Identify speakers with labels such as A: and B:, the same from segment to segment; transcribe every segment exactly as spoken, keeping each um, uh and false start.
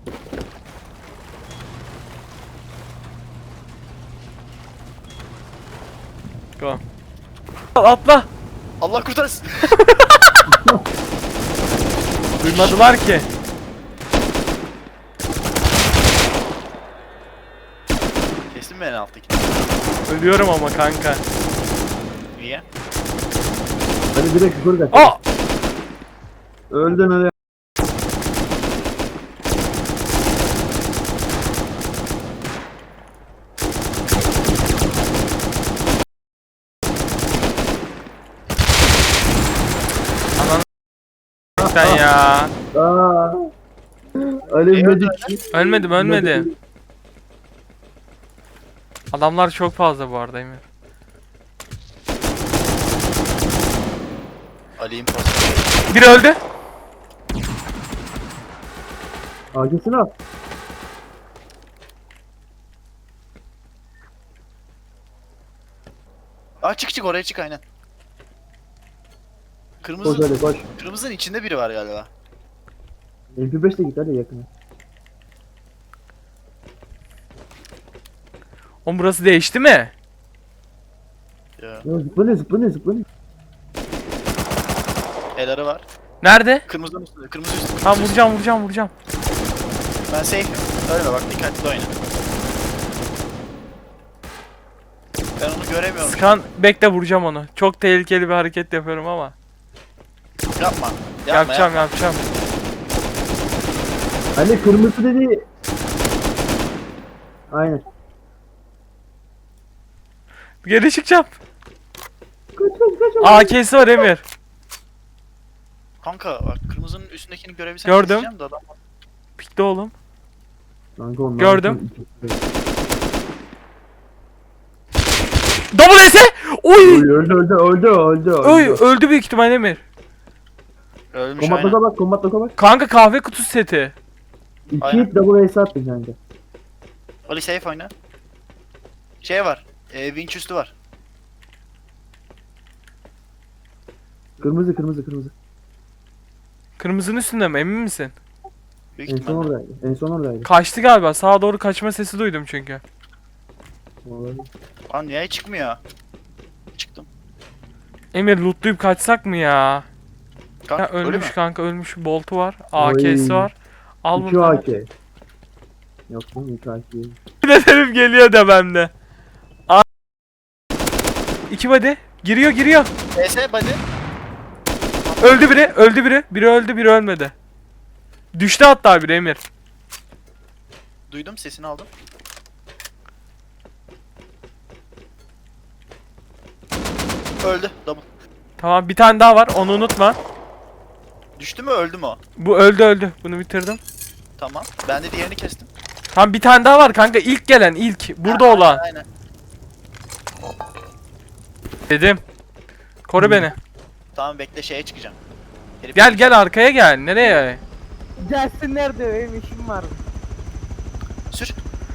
A: Go. Atla.
B: Allah kurtarsın.
A: Duymadılar ki.
B: Kesin mi en alttaki?
A: Ölüyorum ama kanka.
B: Niye?
C: Hadi direkt yukarı kaç.
A: Aa!
C: Öldün hadi.
A: Sen ya.
C: Aa. Ali Medik.
A: Ölmedim ölmedim. Adamlar çok fazla bu arada Emir.
B: Ali imposter.
A: Biri öldü.
C: Akesini al.
B: Aa çık çık oraya çık aynen.
C: Koş
B: Kırmızı,
C: hadi koş.
B: kırmızının içinde biri var galiba.
C: M P beş de git hadi yakına.
A: Oğlum burası değişti mi?
B: Ya.
C: Ya zıplanıyor zıplanıyor zıplanıyor.
B: El arı var.
A: Nerede?
B: Kırmızının üstünde, kırmızı üstünde.
A: Tamam vuracağım vuracağım vuracağım.
B: Ben safe'im. Öyle bak dikkatli oyna. Ben onu göremiyorum.
A: Skan bekle vuracağım onu. Çok tehlikeli bir hareket yapıyorum ama.
B: Yapma. Yapma
A: Yapacağım
B: yapma.
A: yapacağım.
C: Ali kırmızı dedi. Aynen.
A: Geri çıkacağım.
C: Kaç kaç kaç.
A: A K'si var Emir.
B: Kanka bak kırmızının üstündekini görebilsem
A: Gördüm.
B: keseceğim de adam.
A: Pikte oğlum.
C: Kanka onlar
A: Gördüm.
C: bütün-
A: Double S'e! Oy!
C: Öldü öldü öldü öldü öldü.
A: Oy öldü büyük ihtimal Emir.
B: Ölmüş
C: Kombatla
B: aynen.
C: bak kombatla bak.
A: Kanka kahve kutusu seti.
C: İki
B: Aynen.
C: hit double ace attı kanka.
B: Ali safe oyna. Şey var. E, winch üstü var.
C: Kırmızı kırmızı kırmızı.
A: Kırmızının üstünde mi emin misin?
B: Büyük
C: En son
B: ihtimalle.
C: oradaydı. En son oradaydı.
A: Kaçtı galiba. Sağa doğru kaçma sesi duydum çünkü.
C: Vallahi.
B: Lan niye çıkmıyor? Çıktım.
A: Emir lootlayıp kaçsak mı ya?
B: Kanka,
A: Ya
B: öyle mi?
A: ölmüş kanka ölmüş. Boltu var. A K'si
C: Oy.
A: var. Al
C: İki
A: bunu.
C: A K. Yok lan iki A K.
A: Dedim geliyor da bende. A İki body. Giriyor giriyor.
B: E S body.
A: Öldü biri. Öldü biri. Biri öldü biri ölmedi. Düştü hatta biri Emir.
B: Duydum sesini aldım. Öldü. Double.
A: Tamam bir tane daha var onu unutma.
B: Düştü mü öldü mü o?
A: Bu öldü öldü. Bunu bitirdim.
B: Tamam. Ben de diğerini kestim.
A: Tamam bir tane daha var kanka. İlk gelen ilk. Burada
B: Ha,
A: olan.
B: Aynen.
A: Dedim. Koru beni.
B: Tamam bekle şeye çıkacağım. Herif-
A: Gel gel arkaya gel. Nereye?
D: Gelsinler de benim işim var.
B: Sür.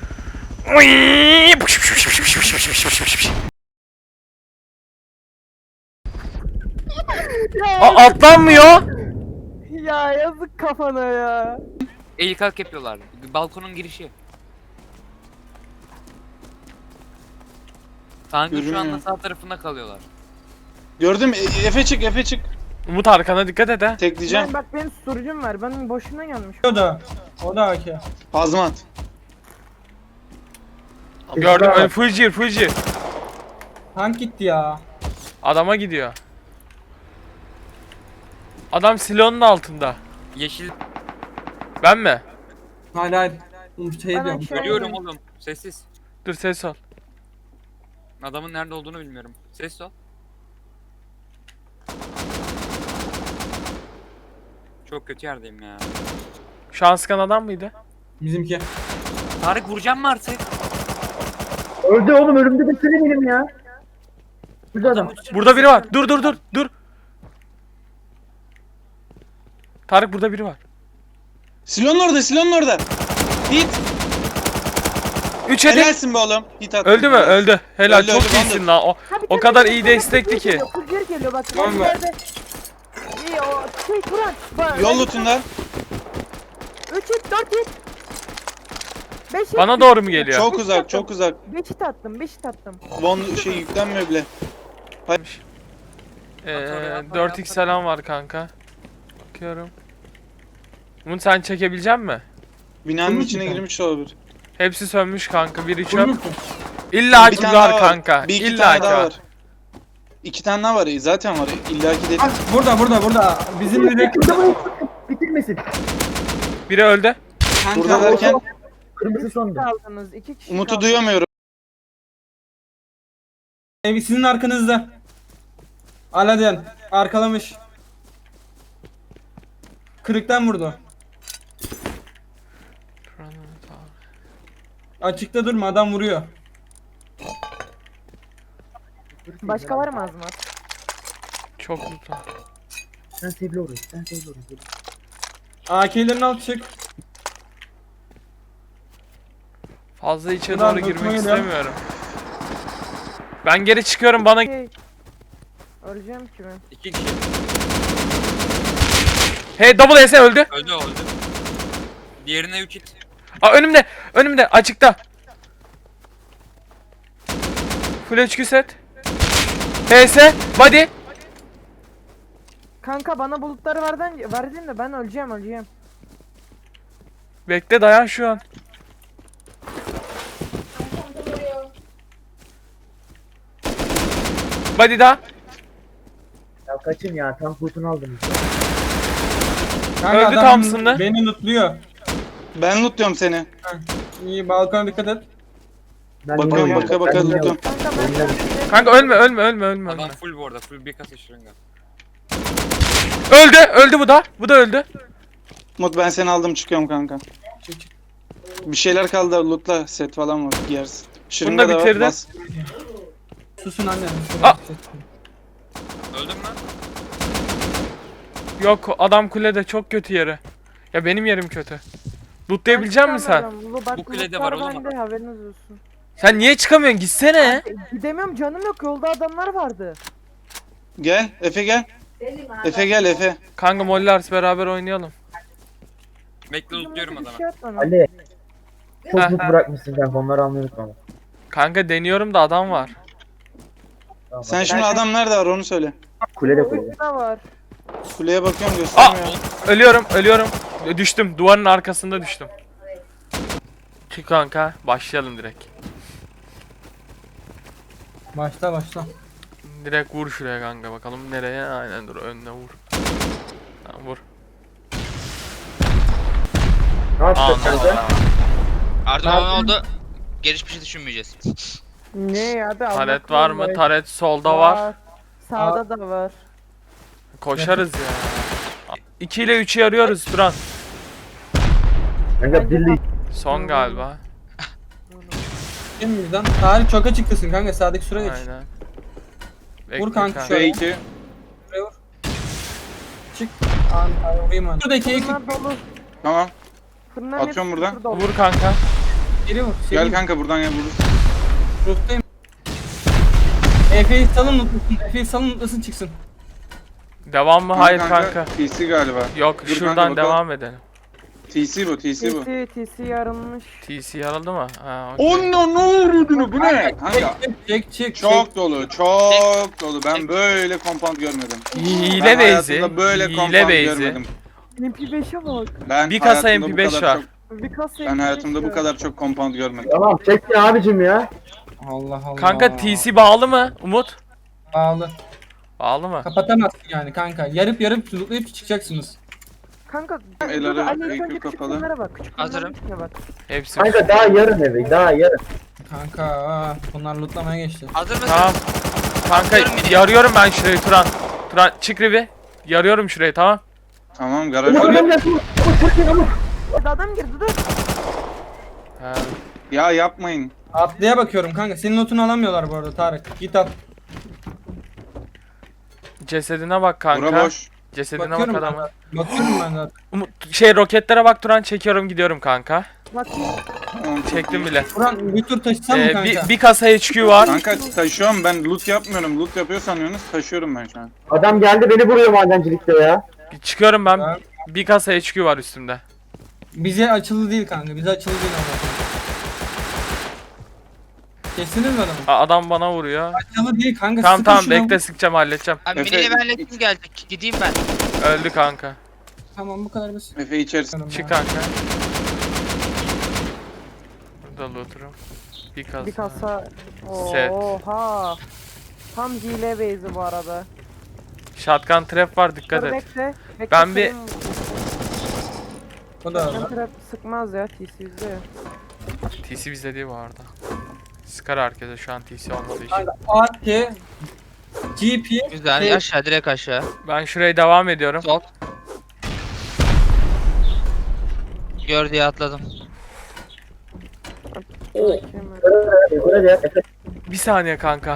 A: A atlanmıyor.
D: Ya yazık kafana ya.
E: El kalk yapıyorlar. Balkonun girişi. Kanka şu
F: Görünüyor.
E: anda sağ tarafında kalıyorlar.
F: Gördüm. E- Efe çık, Efe çık.
A: Umut arkana dikkat et ha.
F: Tekleyeceğim.
D: Ben, bak benim susturucum var. Ben boşuna gelmiş.
G: O da. O da A K.
F: Azmat.
A: Gördüm. Öyle Fujir Fujir.
G: Tank gitti ya.
A: Adama gidiyor. Adam silonun altında.
E: Yeşil
A: Ben mi?
G: Hayır hayır. Şey
D: Ben
G: diyorum.
D: aşağı
E: görüyorum
D: indim.
E: oğlum. Sessiz.
A: Dur ses ol.
E: Adamın nerede olduğunu bilmiyorum. Ses ol. Çok kötü yerdeyim ya.
A: Şu an sıkan adam mıydı?
G: Bizimki.
E: Tarık vuracağım mı artık?
C: Öldü oğlum ölümde de seni benim ya. Burada adam.
A: Burada biri var. Dur dur dur dur. Tarık burada biri var.
F: Silonun orada, silonun orada. Hit.
A: Üç hedi.
F: Helalsin be oğlum. Hit attın.
A: Öldü mü? Öldü. Helal
F: Öldü,
A: çok
F: öldü,
A: iyisin
F: öldü.
A: lan. O,
D: Ha, bir
A: o
D: tane
A: kadar
D: daha
A: iyi
D: geliyor,
A: destekli
D: bir
A: ki.
D: geliyor, kız geri geliyor bak.
G: Tamam
D: Ben
G: mı?
D: yerde. İyi o şey Kur'an. Bak,
F: Yol lootunda.
D: üç hit dört hit. beş
A: Bana doğru mu geliyor?
F: Çok uzak, çok uzak.
D: beş hit attım, beş hit attım.
F: Von şey yüklenmiyor bile.
A: Ee, dört x falan var kanka. Bakıyorum. Umut sen çekebilecek misin?
F: Binanın
G: Sönmüş
F: içine
G: mü sen?
F: girmiş olabilir.
A: Hepsi sönmüş kanka. Biri çöp.
G: Vurmuşsun.
A: İlla
F: Bir
A: ki
F: tane
A: var
F: daha
A: kanka.
F: Bir iki
A: İlla
F: tane
A: ki
F: daha
A: var.
F: var. İki tane daha var. Zaten var. İlla ki dedim.
G: Bak burada burada burada. Bizim direkt
C: Bitirmesin.
A: Biri öldü.
F: Burada derken
C: Kırmızı sondu.
D: Kaldınız, iki kişi
F: Umut'u
D: kaldı.
F: duyamıyorum.
G: ev sizin arkanızda. Aladdin arkalamış. Kırıktan vurdu. Açıkta durma, adam vuruyor.
D: Başka var mı Azmat?
A: Çok mutlu.
C: Sen sevgili orayı. Sen sevgili orayı.
G: A K'lerin alt çık.
A: Fazla içe
G: Ulan
A: doğru girmek
G: tutmayın ya.
A: istemiyorum. Ben geri çıkıyorum bana.
D: Şey, öleceğim ki ben.
E: İki kişi.
A: Hey double S öldü.
E: Öldü o öldü. Diğerine üç hit.
A: Aa önümde. Önümde açıkta. Full H Q set. H S body.
D: Kanka bana bulutları verdin, verdin de ben öleceğim öleceğim.
A: Bekle dayan şu an. Body daha.
C: Ya kaçın ya. Tam kurtunu aldınız.
G: Kanka,
A: Öldü
G: adam
A: Thompson'da.
G: Beni lootluyor.
F: Ben lootluyorum seni.
G: İyi, balkona dikkat et.
C: Ben
F: Bakıyorum
C: yine-
F: baka baka
C: ben yine-
F: lootluyorum.
D: Kanka ben
C: Oyunlar-
A: Kanka ölme ölme ölme ölme.
E: Adam
A: ölme.
E: full bu arada. Full bir kasa şırınga.
A: Öldü öldü bu da. Bu da öldü.
F: Umut ben seni aldım çıkıyorum kanka.
G: Çık, çık.
F: Bir şeyler kaldı lootla. Set falan var giyersin. Şırınga
A: Bunu da
F: da var.
A: bitirdim.
F: Bas.
G: Susun anne.
A: Aa!
E: Öldün mü?
A: Yok adam kulede çok kötü yeri. Ya benim yerim kötü. Lootlayabilecek misin sen?
E: Bu kulede var oğlum.
D: Bende, haberiniz olsun.
A: Sen niye çıkamıyorsun? Gitsene.
D: Gidemiyorum, canım yok, yolda adamlar vardı.
F: Gel Efe gel. Efe gel Efe.
A: Kanka Mollars beraber oynayalım.
E: Bekle lootluyorum
D: Bir
E: adamı.
D: şey at bana.
C: Ali. Çok
A: Ha,
C: mut
A: ha.
C: bırakmışsın kanka. Onları almayı unutma.
A: Kanka deniyorum da adam var.
C: Tamam,
F: Sen
C: bak.
F: şimdi adam nerede var onu söyle.
C: Kulede kulede.
D: Oyunda var.
F: Kuleye bakıyorum göstermiyor.
A: Ölüyorum, ölüyorum. Düştüm. Duvarın arkasında düştüm. Çık kanka. Başlayalım direkt.
G: Başla başla.
A: Direkt vur şuraya kanka bakalım nereye? Aynen dur önüne vur. Tamam, vur.
C: Ne yapacağız
A: Anladım.
C: kanka?
H: Erdoğan oldu. Geliş bir şey düşünmeyeceğiz.
D: Ne ya da
A: Taret var mı? Taret solda var.
D: Sağda da var.
A: Koşarız ya. iki ile üçü arıyoruz Turan.
C: Kanka birliği.
A: Son galiba.
G: Kim bizden? Tarih çok açıktasın kanka, sağdaki süre geç.
A: Aynen.
G: Vur
A: Bekle
G: kanka
A: kanka.
G: şöyle.
F: F iki.
G: Şuraya vur. Çık. An, an, vurayım ben. Şuradaki ekip
D: Fırınlar dolu.
F: Tamam.
D: Fırınların
F: Atıyorum
D: hepsi
F: buradan.
D: şurada dolu.
A: Vur kanka.
G: geri vur.
F: Gel
G: Seveyim.
F: kanka buradan gel vururuz.
G: Ruhtayım. Efe'yi salın mutlusun. Efe'yi salın mutlusun çıksın.
A: Devam mı? Hayır kanka.
F: T C galiba.
A: Yok
F: Dur kanka,
A: şuradan
F: bakalım.
A: devam edelim.
F: T C bu T C bu.
D: T C, T C yarılmış.
A: T C yarıldı mı? Ha, okey.
F: Onun ne vurduğunu bu ne? Kanka
G: Çek çek çek.
F: çok dolu çok dolu. Ben böyle compound görmedim.
A: Hile
F: Ben
A: base'i.
F: hayatımda böyle
A: Hile
F: compound
A: base'i.
F: görmedim.
D: M P beşe bak.
F: Ben
A: Bir kasa
F: hayatımda
A: M P
F: bu
A: beş
F: kadar
A: var.
F: çok-
D: Bir kasa
F: Ben
D: M P beş
F: hayatımda bu
D: var.
F: kadar çok compound görmedim.
C: Tamam çekti abicim ya.
G: Allah Allah.
A: Kanka T C bağlı mı? Umut?
G: Bağlı.
A: Bağlı mı?
G: Kapatamazsın yani kanka. Yarıp yarıp lootlayıp çıkacaksınız.
D: Kanka
F: El
D: dur,
F: arı,
D: Ali ilk
F: ekran
D: önce küçük
F: kapalı.
D: fırınlara bak. Küçük fırınların
H: Hazırım.
D: içine bak.
A: Hepsi.
C: Kanka daha yarın evi. Daha yarın.
G: Kanka aa, bunlar lootlamaya geçti.
H: Hazır mısın?
A: Tamam. Kanka
H: Atıyorum beni.
A: yarıyorum ben şurayı Turan. Turan çık Rivi. Yarıyorum şurayı tamam.
F: Tamam garaj
C: Umut
F: var.
C: adam geldi. Umut çok iyi Umut.
D: Hadi adam girdi dur.
A: Ha.
F: Ya yapmayın.
G: Atlıya bakıyorum kanka. Senin lootunu alamıyorlar bu arada Tarık. Git at.
A: Cesedine bak kanka.
F: Bura boş.
A: Cesedine
G: Bakıyorum
A: bak
G: ben
A: adamın.
G: zaten. Bakıyorum ben zaten.
A: Umut şey roketlere bak Turan çekiyorum gidiyorum kanka.
D: Bakayım.
F: Tamam, çok
A: Çektim
F: iyi.
A: bile.
G: Buran bir tur taşısan mı
A: Ee,
G: kanka?
A: bir, bir kasa H Q var.
F: Kanka taşıyorum ben loot yapmıyorum. Loot yapıyor sanıyorsunuz. Taşıyorum ben şu an.
C: Adam geldi beni vuruyor madencilikte ya.
A: Çıkıyorum ben.
G: Ben-
A: Bir kasa H Q var üstümde.
G: Bize açılı değil kanka. Bize açılı değil ama. Kestiniz mi adamı?
A: Aa, adam bana vuruyor.
G: Aşağıda değil kanka.
A: Tamam
G: sıkın
A: tamam
G: şuna.
A: bekle sıkacağım halledeceğim.
H: Abi
F: Efe,
H: miniyle benle
F: iç-
H: kim geldi? Gideyim ben.
A: Öldü kanka.
G: Tamam bu kadar basit.
F: Efe içerisi.
A: Çık kanka. Burada looter'ım. Bir kasa.
D: Bir kasa.
A: Set.
D: Oha. Tam hile base'i bu arada.
A: Shotgun trap var dikkat
D: Dur
A: et.
D: bekle. bekle
A: Ben bir-
D: senin-
G: Bu da
D: Shotgun trap sıkmaz ya T C yüzde ya.
A: T C bizde değil bu arada. Sıkar herkese şu an T C olmadığı için.
G: kanka A K G P
H: Güzel.
G: şey-
H: Aşağı direkt aşağı.
A: Ben şuraya devam ediyorum.
H: Sol. Gör diye atladım.
D: Bakayım.
C: Yukarı gel. Efe.
A: Bir saniye kanka.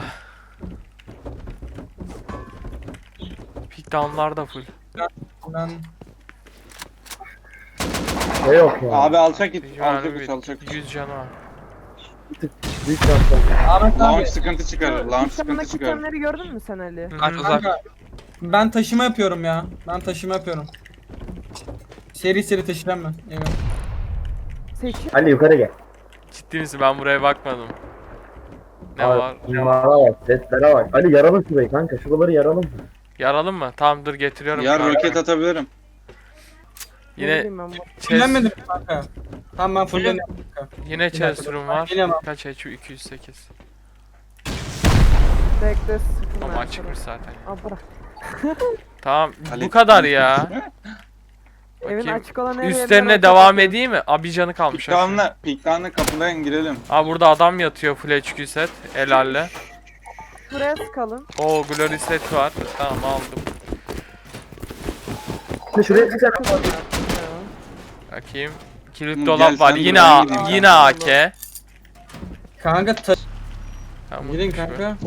A: Pick down'lar da full.
G: Ben
C: Ne yok ya.
F: Abi alçak git.
A: Yani
F: Alçak git
A: bir
F: alçak.
A: yüz canı var.
C: Büyük şanslar.
G: Ahmet abi.
F: Launch sıkıntı çıkarır.
D: Şu
F: Launch
D: ilk
F: sıkıntı
D: yanındaki
F: çıkarır.
D: itemleri gördün mü sen Ali?
A: Hı
H: Kaç
A: hı.
H: uzak.
G: Kanka ben taşıma yapıyorum ya. Ben taşıma yapıyorum. Seri seri taşıyacağım ben. Evet.
D: Seçim.
C: Ali yukarı gel.
A: Ciddi misin? Ben buraya bakmadım. Ne
C: Abi,
A: var?
C: Numara bak. Setlere bak. Ali yaralım şurayı kanka. Şuraları yaralım.
A: Yaralım mı? Tamam dur getiriyorum.
F: Ya
A: kanka.
F: roket atabilirim.
D: Ne
A: Yine
D: bileyim ben bu.
A: chest,
G: Fullenmedim kanka. Tamam ben fulleniyorum.
A: yine chest room var.
G: Gelemem.
A: Kaç H P? iki yüz sekiz.
D: Bekle sıkın
A: Ama
D: ben
A: açıkmış
D: sana.
A: zaten.
D: Aa bırak.
A: Tamam
F: Ali-
A: bu kadar ya.
D: Evin
A: Bakayım.
D: açık olan her yerden
A: Üstlerine
D: açık
A: devam
D: atıyor.
A: edeyim mi? Abi canı kalmış. aşağı.
F: Piktanla, piktanla kapıdan girelim.
A: Aa burada adam yatıyor full H Q set. Helalle.
D: Şuraya sıkalım.
A: Oo glory set var. Tamam aldım.
C: Şimdi şuraya çıksana.
A: Bakayım. Kilit
F: Hı,
A: dolap
F: gel
A: var.
F: sen
A: Yine
F: buraya
A: A,
F: gideyim ben.
A: yine A K.
G: Kanka ta
A: Tamam,
G: Girin
A: şu-
G: kanka.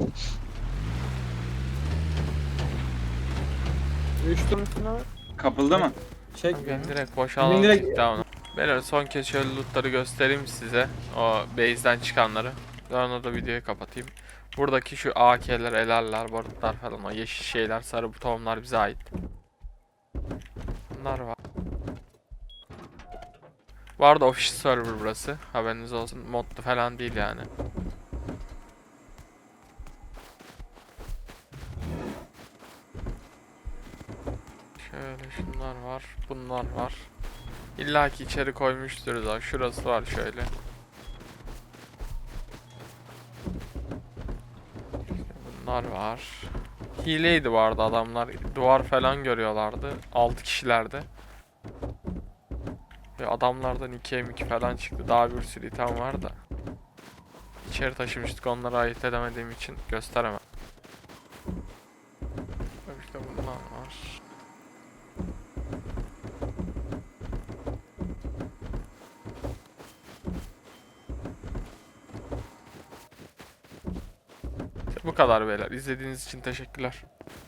G: Üçtüm.
F: Kapıldı mı?
G: Çek.
A: Ben direkt boşalalım
G: Benim direkt-
A: direkt... Beyler son kez şöyle lootları göstereyim size. O base'den çıkanları. Sonra da videoyu kapatayım. Buradaki şu A K'ler, elerler, barutlar falan o yeşil şeyler, sarı butonlar bize ait. Bunlar var. Bu arada official server burası. Haberiniz olsun. Modlu falan değil yani. Şöyle şunlar var. Bunlar var. İlla ki içeri koymuştur da. Şurası var şöyle. İşte bunlar var. Hileydi bu arada adamlar. Duvar falan görüyorlardı. altı kişilerdi. Ve adamlardan iki M iki falan çıktı. Daha bir sürü item var da. İçeri taşımıştık, onları ayırt edemediğim için gösteremem. İşte bunlar var. İşte bu kadar beyler. İzlediğiniz için teşekkürler.